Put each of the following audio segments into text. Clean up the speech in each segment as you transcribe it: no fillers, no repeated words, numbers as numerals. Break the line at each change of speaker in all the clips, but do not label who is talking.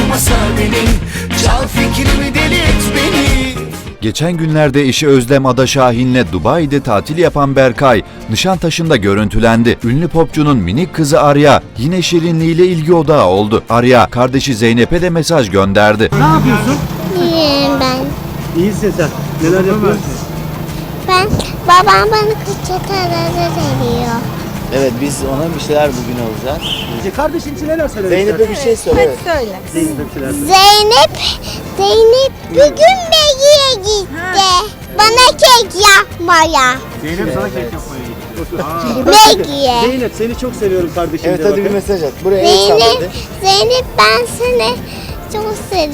Oynamasa beni, çal fikrimi, deli et beni.
Geçen günlerde eşi Özlem Ada Şahin'le Dubai'de tatil yapan Berkay, Nişantaşı'nda görüntülendi. Ünlü popçunun minik kızı Arya yine şirinliğiyle ilgi odağı oldu. Arya, kardeşi Zeynep'e de mesaj gönderdi.
Ne yapıyorsun?
İyiyim ben.
İyisin sen. Neler yapıyorsun?
Babam bana kıçataları veriyor.
Evet, biz ona bir şeyler bugün alacağız.
Kardeşin için neler söylemek
Zeynep'e bir şey söyle. Evet.
Söyle.
Zeynep'e bir şeyler söyle.
Zeynep bugün Begi'ye gitti. Bana kek yapmaya.
Zeynep sana kek yapmaya gitti.
Begi'ye.
Zeynep seni çok seviyorum kardeşim.
Evet,
de
hadi bir
bakın.
mesaj at. Buraya el
Zeynep,
salladı.
Zeynep ben seni çok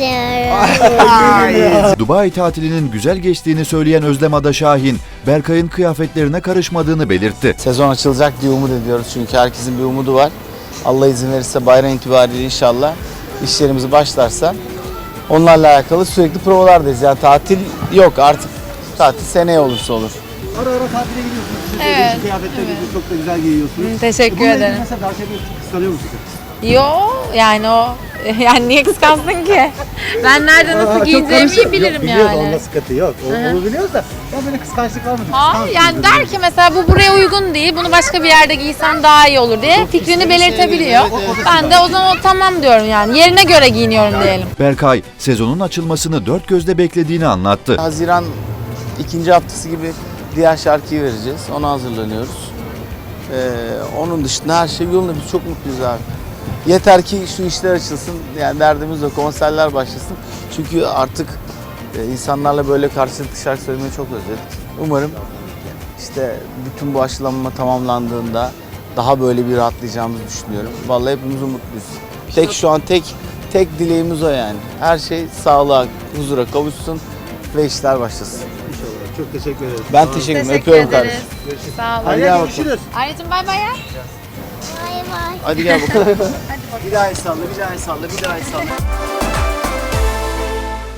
seviyorum.
Dubai tatilinin güzel geçtiğini söyleyen Özlem Ada Şahin, Berkay'ın kıyafetlerine karışmadığını belirtti.
Sezon açılacak diye umut ediyoruz çünkü herkesin bir umudu var. Allah izin verirse bayram itibariyle inşallah işlerimizi başlarsa onlarla alakalı sürekli provalardayız. Yani tatil yok artık, tatil seneye olursa olur.
Ara ara tatile gidiyorsunuz. Siz de
Evet,
değişik kıyafetler giyiyorsunuz. Çok da güzel giyiyorsunuz.
Teşekkür
Bununla ilgili
ederim.
mesela daha çok kıskanıyor musun?
Yo yani o yani niye kıskansın ki? Ben nerede nasıl giyineceğimi bilirim
Biliyoruz, onun
yani.
sıkıntı yok. Onu biliyoruz da ya böyle kıskançlık var mı?
Hayır yani der ki mesela bu buraya uygun değil, bunu başka bir yerde giysen daha iyi olur diye fikrini belirtebiliyor. Ben de o zaman tamam diyorum yani yerine göre giyiniyorum diyelim.
Berkay, sezonun açılmasını dört gözle beklediğini anlattı.
Haziran ikinci haftası gibi diğer şarkıyı vereceğiz. Ona hazırlanıyoruz. Onun dışında her şey yolunda. Biz çok mutluyuz abi. Yeter ki şu işler açılsın. Yani derdimiz o, konserler başlasın. Çünkü artık insanlarla böyle karşılıklı şarkı söylemeyi çok özledik. Umarım işte bütün bu aşılanma tamamlandığında daha böyle bir rahatlayacağımızı düşünüyorum. Vallahi hepimiz umutluyuz. Şu an tek dileğimiz o yani. Her şey sağlığa, huzura kavuşsun ve işler başlasın.
İnşallah. Çok teşekkür ederim.
Ben teşekkür ederim. Öpüyorum kardeşim.
Sağ olun.
Hadi
gel bakalım.
görüşürüz.
Ayrıcığım bay bay ya.
Bay bay.
Hadi gel bakalım. Bir daha el salla, bir daha el salla, bir daha el salla.